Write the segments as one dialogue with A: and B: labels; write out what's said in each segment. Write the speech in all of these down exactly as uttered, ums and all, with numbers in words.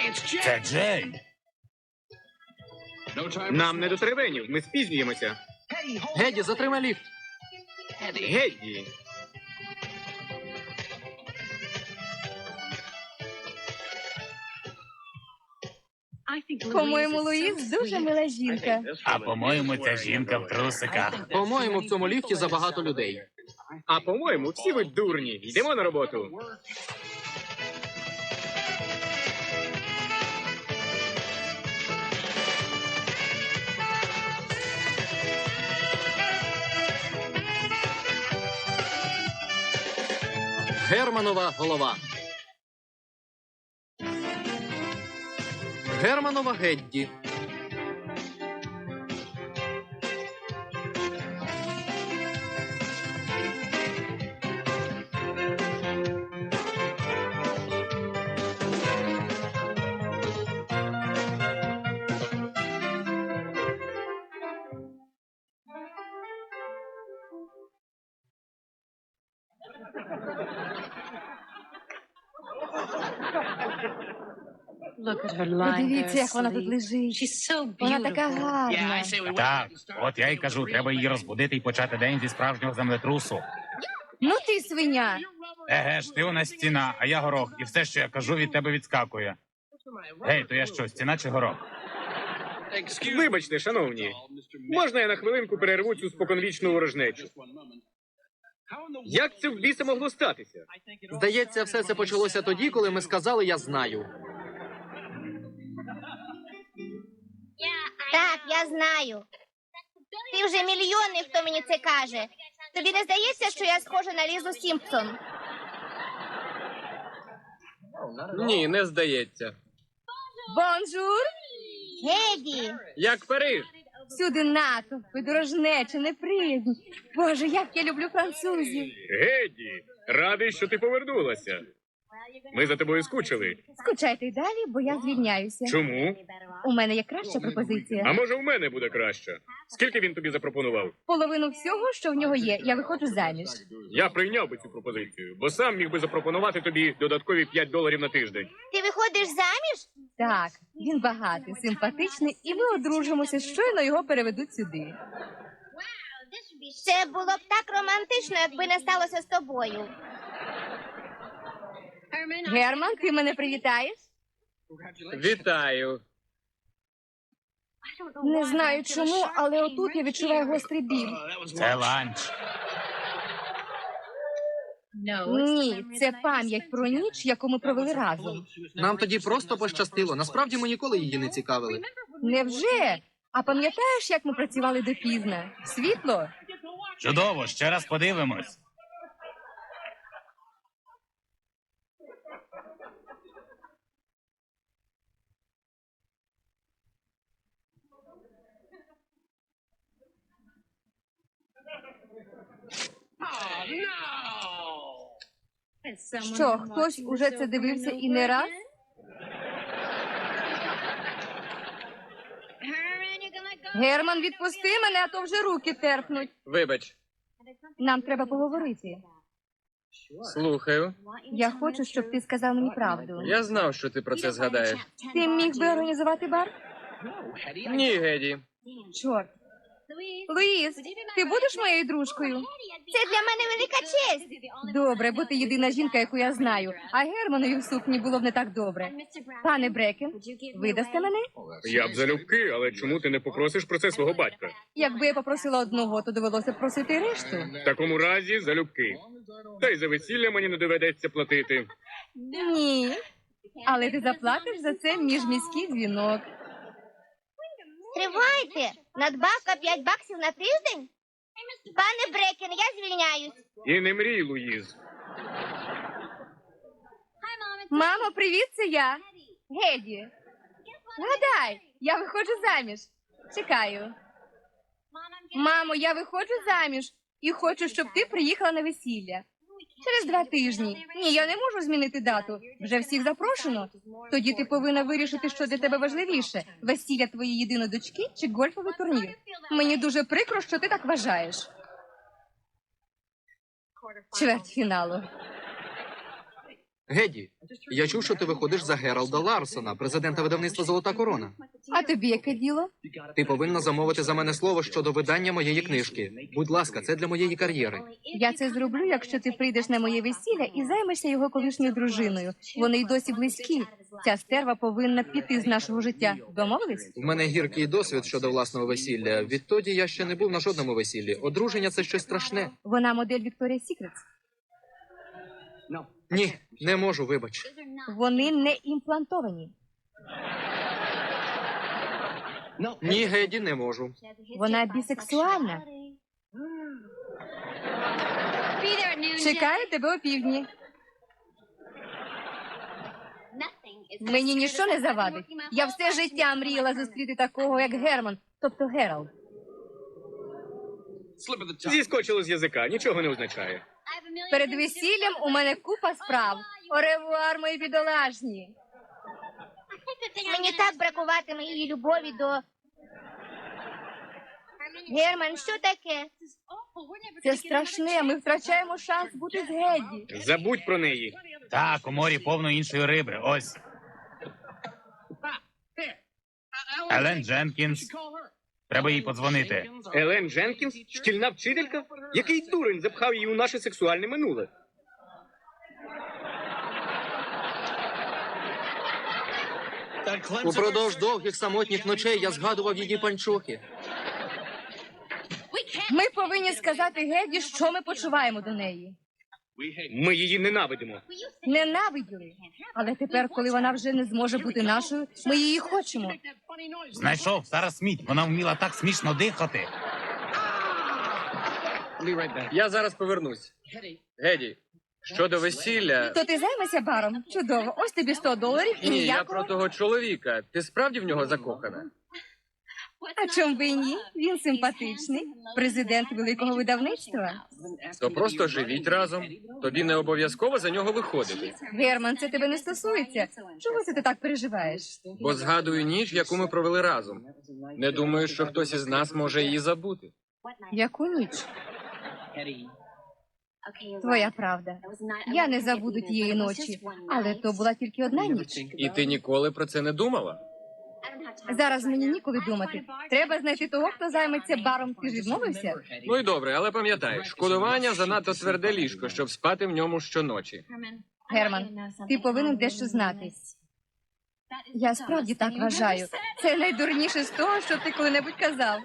A: Це Джей.
B: Нам не до теревенів, ми спізнюємося.
C: Геді, затримай ліфт.
B: Гедді.
D: По-моєму, Луїз дуже мила жінка.
A: А по-моєму, ця жінка в трусиках.
C: По-моєму, в цьому ліфті забагато людей.
B: А по-моєму, всі ви дурні. Йдемо на роботу.
C: Германова голова. Германова Гедді.
D: Подивіться, як вона тут лежить. Вона така гарна.
A: Так, от я й кажу, треба її розбудити і почати день зі справжнього землетрусу.
D: Ну ти свиня.
A: Еге ж, ти у нас стіна, а я горох, і все, що я кажу, від тебе відскакує. Гей, то я що, стіна чи горох?
B: Вибачте, шановні. Можна я на хвилинку перерву цю споконвічну ворожнечу? Як це в біса могло статися?
C: Здається, все це почалося тоді, коли ми сказали «я знаю».
E: Так, я знаю. Ти вже мільйонний, хто мені це каже. Тобі не здається, що я схожа на Лізу Сімпсон?
B: Ні, не здається.
D: Бонжур.
E: Геді!
B: Як Париж.
D: Всюди натовпи, дорожнеча, неприязні. Боже, як я люблю французів.
B: Геді, радий, що ти повернулася. Ми за тобою скучили.
D: Скучайте й далі, бо я звільняюся.
B: Чому?
D: У мене є краща пропозиція.
B: А може, в мене буде краще? Скільки він тобі запропонував?
D: Половину всього, що в нього є, я виходжу заміж.
B: Я прийняв би цю пропозицію, бо сам міг би запропонувати тобі додаткові п'ять доларів на тиждень.
E: Ти виходиш заміж?
D: Так, він багатий, симпатичний, і ми одружимося, щойно його переведуть сюди.
E: Це було б так романтично, якби не сталося з тобою.
D: Герман, ти мене привітаєш?
B: Вітаю.
D: Не знаю чому, але отут я відчуваю гострий біль.
A: Це ланч.
D: Ні, це пам'ять про ніч, яку ми провели разом.
C: Нам тоді просто пощастило. Насправді ми ніколи її не цікавили.
D: Невже? А пам'ятаєш, як ми працювали допізна? Світло?
A: Чудово, ще раз подивимось.
D: Що, хтось уже це дивився і не раз? Герман, відпусти мене, а то вже руки терпнуть.
B: Вибач.
D: Нам треба поговорити.
B: Слухаю.
D: Я хочу, щоб ти сказав мені правду.
B: Я знав, що ти про це згадаєш.
D: Ти міг би організувати бар?
B: Ні, Геді.
D: Чорт. Луїз, ти будеш моєю дружкою?
E: Це для мене велика честь.
D: Добре, бо ти єдина жінка, яку я знаю. А Германові в сукні було б не так добре. Пане Брекен, видасте мене?
B: Я б залюбки, але чому ти не попросиш про це свого батька?
D: Якби я попросила одного, то довелося б просити решту.
B: В такому разі залюбки. Та й за весілля мені не доведеться платити.
D: Ні. Але ти заплатиш за це міжміський дзвінок.
E: Тривайте. Надбавка п'ять баксів на тиждень? Пане Брекен, я звільняюсь.
B: І не мрій, Луїз.
D: Мамо, привіт, це я. Геді. Гадай, я виходжу заміж. Чекаю. Мамо, я виходжу заміж і хочу, щоб ти приїхала на весілля. Через два тижні. Ні, я не можу змінити дату. Вже всіх запрошено. Тоді ти повинна вирішити, що для тебе важливіше. Весілля твоєї єдиної дочки чи гольфовий турнір. Мені дуже прикро, що ти так вважаєш. Чвертьфіналу.
C: Геді, я чув, що ти виходиш за Гералда Ларсона, президента видавництва «Золота корона».
D: А тобі яке діло?
C: Ти повинна замовити за мене слово щодо видання моєї книжки. Будь ласка, це для моєї кар'єри.
D: Я це зроблю, якщо ти прийдеш на моє весілля і займешся його колишньою дружиною. Вони й досі близькі. Ця стерва повинна піти з нашого життя. Домовились?
C: В мене гіркий досвід щодо власного весілля. Відтоді я ще не був на жодному весіллі. Одруження – це щось страшне.
D: Вона модель Victoria's Secret.
C: Ні, не можу, вибач.
D: Вони не імплантовані.
C: Ні, Геді, не можу.
D: Вона бісексуальна. Чекаю тебе опівдні. Мені ніщо не завадить. Я все життя мріяла зустріти такого, як Герман, тобто Гералд.
B: Зіскочило з язика, нічого не означає.
D: Перед весіллям у мене купа справ. Оревуар, мої бідолашні.
E: Мені так бракуватиме її любові до... Герман, що таке?
D: Це страшне, ми втрачаємо шанс бути з Гедді.
B: Забудь про неї.
A: Так, у морі повно іншої риби. Ось. Елен Дженкінс. Треба їй подзвонити.
B: Елен Дженкінс? Шкільна вчителька? Який дурень запхав її у наше сексуальне минуле?
C: Упродовж довгих самотніх ночей я згадував її панчохи.
D: Ми повинні сказати Гедді, що ми почуваємо до неї.
B: Ми її ненавидимо.
D: Ненавиділи. Але тепер, коли вона вже не зможе бути нашою, ми її хочемо.
A: Знайшов Сара Сміт. Вона вміла так смішно дихати.
C: Я зараз повернусь. Геді, щодо весілля...
D: То ти займешся баром? Чудово. Ось тобі сто доларів і
C: Ні, я
D: ніякого.
C: про того чоловіка. Ти справді в нього закохана?
D: А чом би і ні? Він симпатичний. Президент великого видавництва.
C: То просто живіть разом. Тобі не обов'язково за нього виходити.
D: Герман, це тебе не стосується. Чого це ти так переживаєш?
C: Бо згадую ніч, яку ми провели разом. Не думаю, що хтось із нас може її забути.
D: Яку ніч? Твоя правда. Я не забуду тієї ночі, але то була тільки одна ніч.
C: І ти ніколи про це не думала?
D: Зараз мені ніколи думати. Треба знайти того, хто займеться баром. Ти ж відмовився?
C: Ну й добре, але пам'ятай, шкодування занадто тверде ліжко, щоб спати в ньому щоночі.
D: Герман, ти повинен дещо знати. Я справді так вважаю. Це найдурніше з того, що ти коли-небудь казав.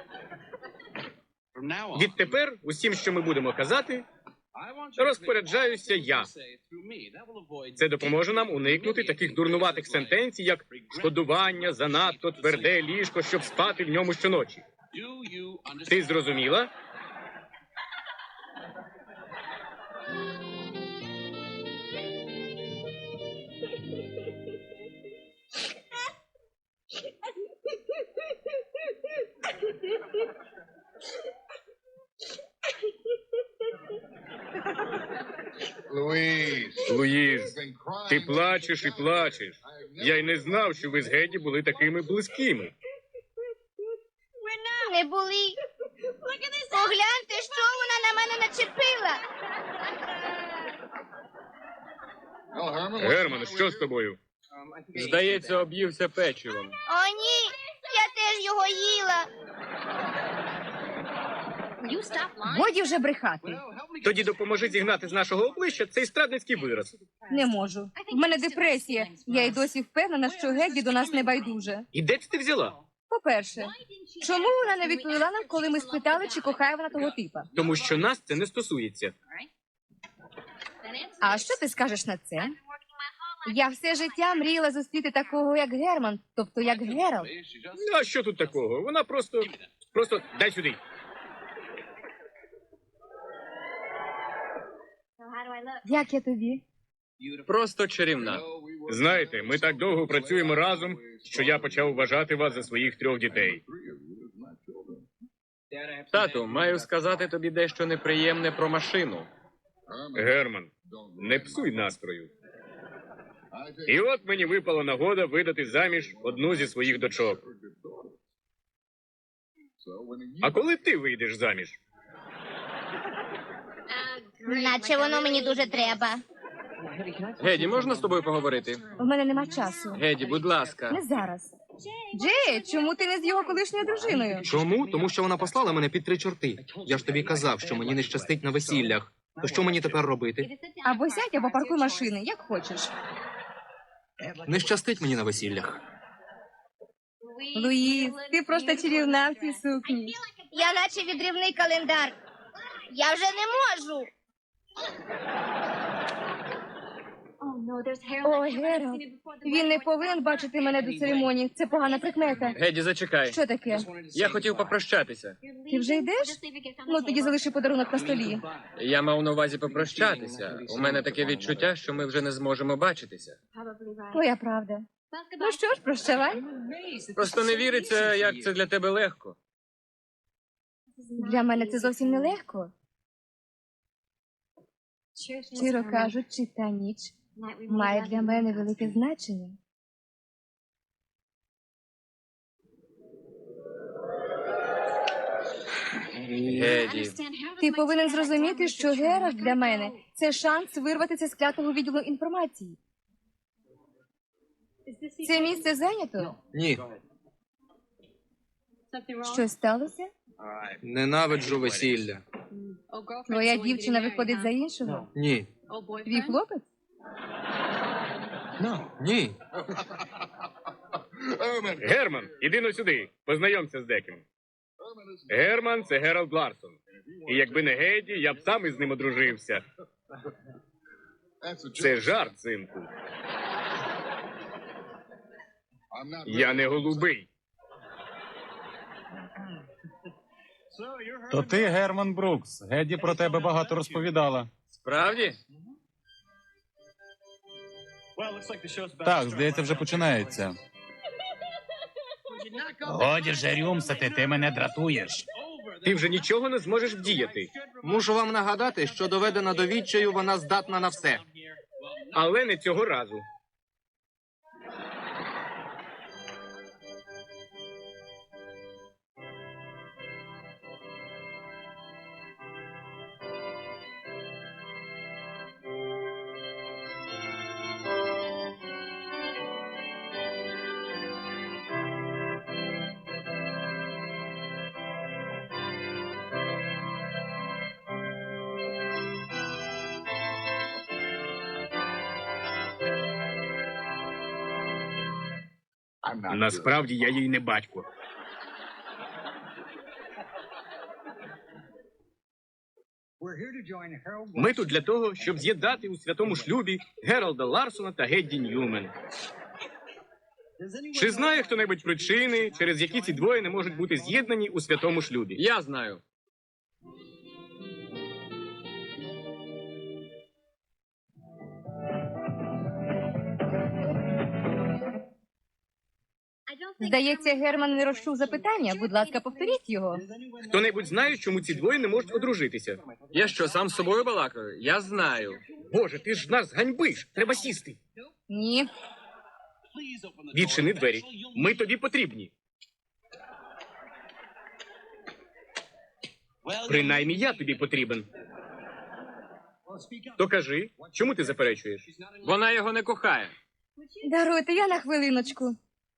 B: Відтепер усім, що ми будемо казати, розпоряджаюся я. Це допоможе нам уникнути таких дурнуватих сентенцій, як шкодування, занадто тверде ліжко, щоб спати в ньому щоночі. Ти зрозуміла? Луїз, ти плачеш і плачеш. Я й не знав, що ви з Геді були такими близькими.
E: Не були. Погляньте, що вона на мене начепила.
B: Герман, що з тобою?
C: Здається, об'ївся печивом.
E: О, ні, я теж його їла.
D: Годі вже брехати.
B: Тоді допоможи зігнати з нашого обличчя цей страдницький вираз.
D: Не можу. В мене депресія. Я й досі впевнена, що Гедді до нас не байдуже.
B: І де це ти взяла?
D: По-перше, чому вона не відповіла нам, коли ми спитали, чи кохає вона того типа?
B: Тому що нас це не стосується.
D: А що ти скажеш на це? Я все життя мріяла зустріти такого, як Герман, тобто як Гералд.
B: А що тут такого? Вона просто... Просто дай сюди.
D: Як я тобі?
C: Просто чарівна.
B: Знаєте, ми так довго працюємо разом, що я почав вважати вас за своїх трьох дітей.
C: Тату, маю сказати тобі дещо неприємне про машину.
B: Герман, не псуй настрою. І от мені випала нагода видати заміж одну зі своїх дочок. А коли ти вийдеш заміж?
E: Наче воно мені дуже треба.
F: Геді, можна з тобою поговорити?
D: У мене нема часу.
F: Геді, будь ласка.
D: Не зараз. Джей, чому ти не з його колишньою дружиною?
C: Чому? Тому що вона послала мене під три чорти. Я ж тобі казав, що мені не щастить на весіллях. То що мені тепер робити?
D: Або сядь, або паркуй машини, як хочеш.
C: Не щастить мені на весіллях.
D: Луїс, ти просто чарівна в цій сукні.
E: Я наче відрівний календар. Я вже не можу.
D: О, Гералт, він не повинен бачити мене до церемонії. Це погана прикмета.
F: Геді, зачекай.
D: Що таке?
F: Я хотів попрощатися.
D: Ти вже йдеш? Ну, тоді залиши подарунок на столі.
F: Я мав на увазі попрощатися. У мене таке відчуття, що ми вже не зможемо бачитися.
D: Твоя правда. Ну що ж, прощавай.
F: Просто не віриться, як це для тебе легко.
D: Для мене це зовсім не легко. Щиро кажучи, та ніч має для мене велике значення.
F: Геді.
D: Ти повинен зрозуміти, що Геральт для мене – це шанс вирватися з клятого відділу інформації. Це місце зайнято?
C: Ні,
D: Щось сталося?
C: ненавиджу весілля.
D: Твоя дівчина виходить за іншого?
C: Ні.
D: Твій хлопець?
C: Ні.
B: Герман, іди но сюди. Познайомся з деким. Герман – це Геральт Ларсон. І якби не Геді, я б сам із ним одружився. Це жарт, синку. Я не голубий.
A: То ти Герман Брукс. Геді про тебе багато розповідала.
F: Справді?
A: Так, здається, вже починається. Годі вже рюмсати, ти мене дратуєш.
B: Ти вже нічого не зможеш вдіяти.
C: Мушу вам нагадати, що доведена до відчаю, вона здатна на все.
B: Але не цього разу. Насправді я їй не батько. Ми тут для того, щоб з'єднати у святому шлюбі Гералда Ларсона та Гедді Ньюмен. Чи знає хто-небудь причини, через які ці двоє не можуть бути з'єднані у святому шлюбі?
F: Я знаю.
D: Здається, Герман не розчув запитання. Будь ласка, повторіть його.
B: Хто-небудь знає, чому ці двоє не можуть одружитися?
F: Я що, сам з собою балакаю? Я знаю.
B: Боже, ти ж нас ганьбиш. Треба сісти.
D: Ні.
B: Відчини двері. Ми тобі потрібні. Принаймні я тобі потрібен. То кажи, чому ти заперечуєш?
F: Вона його не кохає.
D: Даруйте, я на хвилиночку.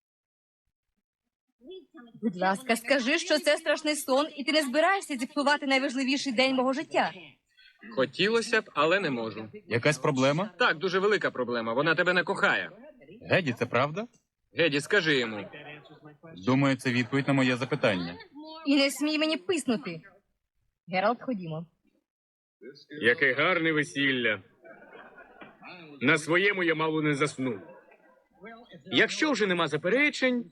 D: Будь ласка, скажи, що це страшний сон, і ти не збираєшся зіпсувати найважливіший день мого життя.
F: Хотілося б, але не можу.
A: Якась проблема?
F: Так, дуже велика проблема. Вона тебе не кохає.
A: Геді, це правда?
F: Геді, скажи йому.
A: Думаю, це відповідь на моє запитання.
D: І не смій мені писнути. Гералт, ходімо.
B: Яке гарне весілля. На своєму я мало не заснув. Якщо вже нема заперечень,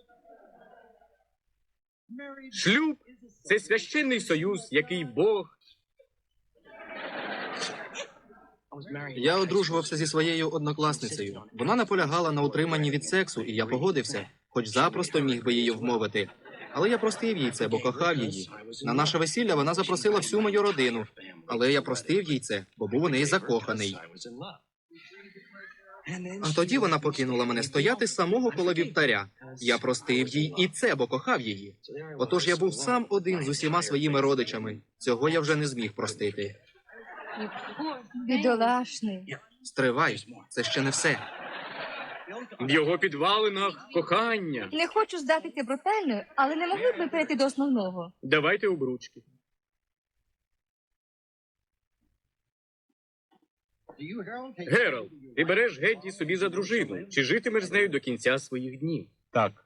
B: шлюб – це священний союз, який Бог...
C: Я одружувався зі своєю однокласницею. Вона наполягала на утриманні від сексу, і я погодився, хоч запросто міг би її вмовити. Але я простив їй це, бо кохав її. На наше весілля вона запросила всю мою родину. Але я простив їй це, бо був у неї закоханий. А тоді вона покинула мене стояти самого коло вівтаря. Я простив їй і це, бо кохав її. Отож я був сам один з усіма своїми родичами. Цього я вже не зміг простити.
D: Бідолашний.
C: Стривай, це ще не все.
B: В його підвалинах кохання.
D: Не хочу здатися брутальною, але не могли б ми перейти до основного.
B: Давайте обручки. Гералд, ти береш Гетті собі за дружину. Чи житимеш з нею до кінця своїх днів?
A: Так.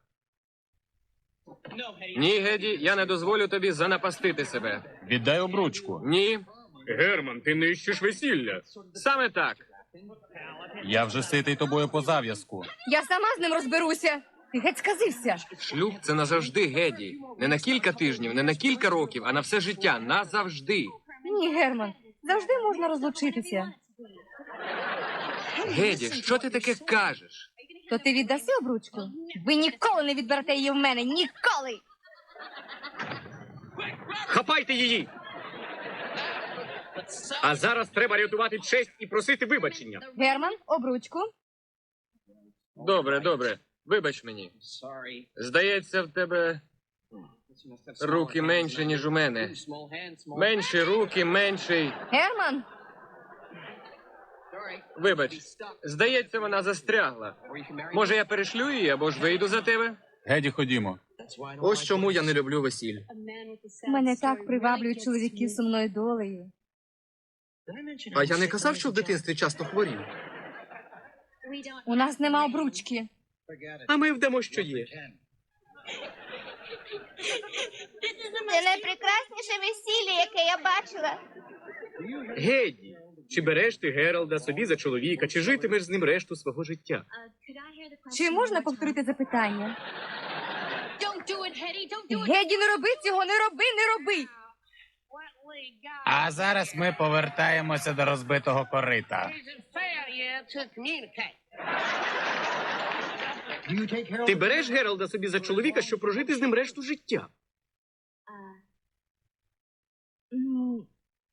F: Ні, Геді, я не дозволю тобі занапастити себе.
A: Віддай обручку.
F: Ні,
B: Герман, ти нищиш весілля.
F: саме так.
A: Я вже ситий тобою по зав'язку.
D: Я сама з ним розберуся. Ти геть сказився.
F: Шлюб це назавжди, Геді. Не на кілька тижнів, не на кілька років, а на все життя. Назавжди.
D: Ні, Герман, завжди можна розлучитися.
F: Геді, що ти таке кажеш?
D: То ти віддаси обручку? Ви ніколи не відберете її в мене. Ніколи!
B: Хапайте її! А зараз треба рятувати честь і просити вибачення.
D: Герман, обручку.
F: Добре, добре. Вибач мені. Здається, в тебе руки менші, ніж у мене. Менші руки, менший.
D: Герман,
F: Вибач, здається, вона застрягла. Може, я перешлю її або ж вийду за тебе?
A: Геді, ходімо.
C: Ось чому я не люблю весіль.
D: мене так приваблюють чоловіки з сумною долею.
C: А я не казав, що в дитинстві часто хворів.
D: У нас нема обручки.
B: А ми вдамо, що є.
E: Це найпрекрасніше весілля, яке я бачила.
B: Геді, чи береш ти Гералда собі за чоловіка, чи житимеш з ним решту свого життя?
D: Чи можна повторити запитання? Геді, не роби цього, не роби, не роби.
A: А зараз ми повертаємося до розбитого корита.
B: Ти береш Гералда собі за чоловіка, щоб прожити з ним решту життя?
D: Ну,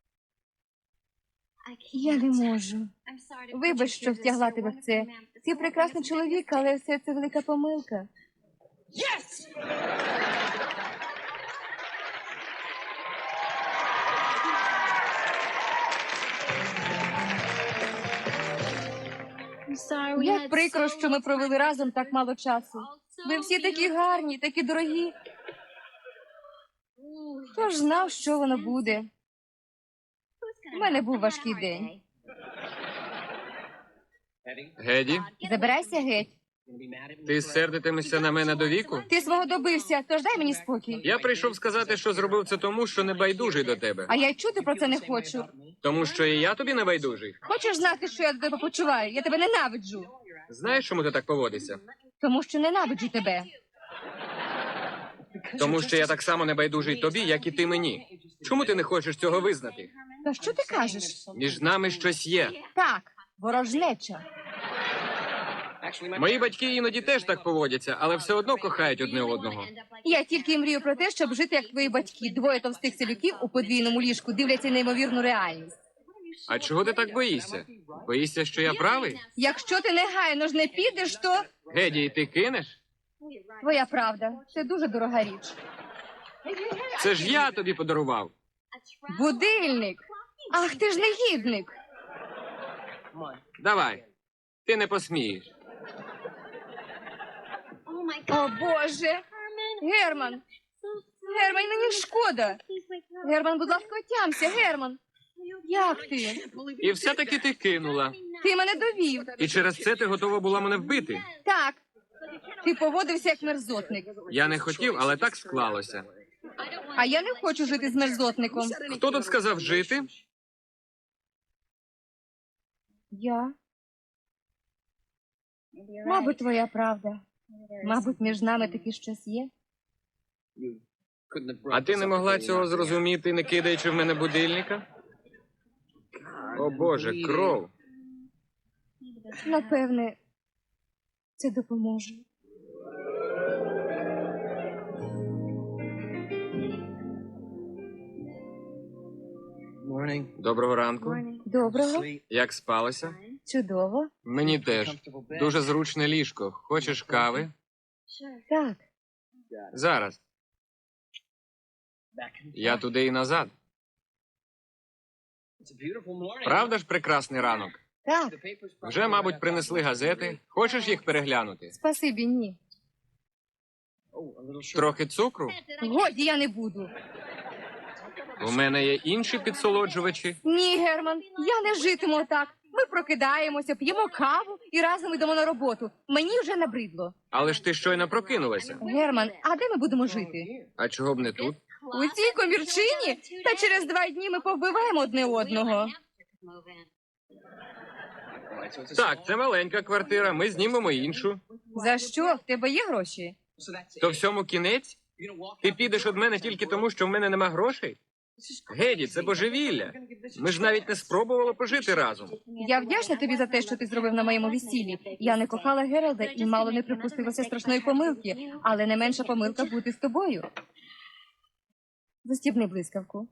D: я не можу. Вибач, що втягла тебе в це. Ти прекрасний чоловік, але все це велика помилка. Як прикро, що ми провели разом так мало часу. Ви всі такі гарні, такі дорогі. Хто ж знав, що воно буде? У мене був важкий день.
F: Геді,
D: Забирайся геть.
F: ти сердитимешся на мене до віку?
D: Ти свого добився, тож дай мені спокій.
F: Я прийшов сказати, що зробив це тому, що не байдужий до тебе.
D: А я й чути про це не хочу.
F: Тому що і я тобі не байдужий.
D: Хочеш знати, що я до тебе почуваю? Я тебе ненавиджу.
F: Знаєш, чому ти так поводишся?
D: Тому що ненавиджу тебе.
F: Тому що я так само не байдужий тобі, як і ти мені. Чому ти не хочеш цього визнати?
D: Та що ти кажеш?
F: Між нами щось є.
D: Так, ворожнеча.
F: Мої батьки іноді теж так поводяться, але все одно кохають одне одного.
D: Я тільки й мрію про те, щоб жити як твої батьки. Двоє товстих селюків у подвійному ліжку дивляться неймовірну реальність.
F: А чого ти так боїшся? Боїшся, що я правий?
D: Якщо ти негайно ж не підеш, то
F: Геді, ти кинеш?
D: твоя правда. Це дуже дорога річ.
F: Це ж я тобі подарував.
D: Будильник. Ах, ти ж негідник.
F: Давай. Ти не посмієш.
D: О, Боже. Герман. Герман, мені шкода. Герман, будь ласка, отямся, Герман. Як ти?
F: І все-таки ти кинула.
D: Ти мене довів.
F: І через це ти готова була мене вбити.
D: Так. Ти поводився як мерзотник.
F: Я не хотів, але так склалося.
D: А я не хочу жити з мерзотником.
F: Хто тут сказав жити?
D: Я. Мабуть, твоя правда. Мабуть, між нами таки щось є.
F: А ти не могла цього зрозуміти, не кидаючи в мене будильника? О Боже, кров.
D: Напевне, це допоможе.
F: Доброго ранку.
D: Доброго.
F: Як спалося?
D: Чудово.
F: Мені теж. Дуже зручне ліжко. Хочеш кави?
D: Так.
F: Зараз. Я туди і назад. Правда ж прекрасний ранок?
D: Так,
F: Вже, мабуть, принесли газети. Хочеш їх переглянути?
D: спасибі, ні.
F: Трохи цукру?
D: Годі, я не буду.
F: У мене є інші підсолоджувачі.
D: Ні, Герман, я не житиму так. Ми прокидаємося, п'ємо каву і разом йдемо на роботу. Мені вже набридло.
F: Але ж ти щойно прокинулася.
D: Герман, а де ми будемо жити?
F: А чого б не тут?
D: У цій комірчині? Та через два дні ми повбиваємо одне одного.
F: Так, це маленька квартира, ми знімемо іншу.
D: За що? В тебе є гроші?
F: То всьому кінець? Ти підеш від мене тільки тому, що в мене нема грошей? Геді, це божевілля. Ми ж навіть не спробували пожити разом.
D: Я вдячна тобі за те, що ти зробив на моєму весіллі. Я не кохала Гералда і мало не припустилася страшної помилки, але не менша помилка бути з тобою. Застібни блискавку.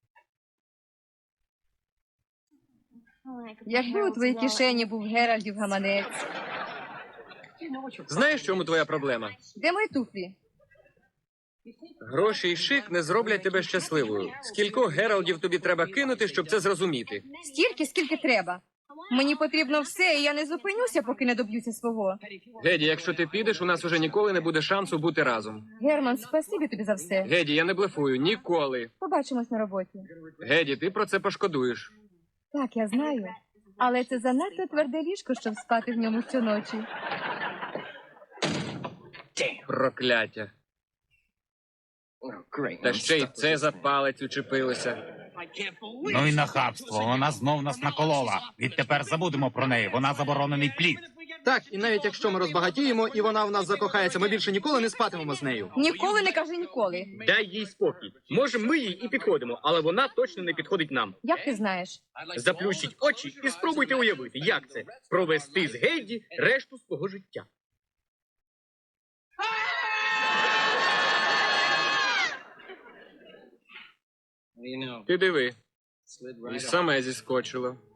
D: Якби у твоїй кишені був Геральдів гаманець.
F: Знаєш, в чому твоя проблема?
D: Де мої туфлі?
F: Гроші і шик не зроблять тебе щасливою. Скількох Гералдів тобі треба кинути, щоб це зрозуміти?
D: Стільки, скільки треба. Мені потрібно все, і я не зупинюся, поки не доб'юся свого.
F: Геді, якщо ти підеш, у нас уже ніколи не буде шансу бути разом.
D: Герман, спасибі тобі за все.
F: Геді, я не блефую, ніколи.
D: Побачимось на роботі.
F: Геді, ти про це пошкодуєш.
D: Так, я знаю. Але це занадто тверде ліжко, щоб спати в ньому щоночі.
F: Прокляття. Та ще й це за палець учепилося.
A: Ну і нахабство, вона знов нас наколола. Відтепер забудемо про неї, вона заборонений плід.
C: Так, і навіть якщо ми розбагатіємо, і вона в нас закохається, ми більше ніколи не спатимемо з нею.
D: Ніколи не кажи ніколи.
B: Дай їй спокій. Може, ми їй і підходимо, але вона точно не підходить нам.
D: Як ти знаєш?
B: Заплющіть очі і спробуйте уявити, як це провести з Гейді решту свого життя.
F: Ти диви. І саме зіскочило.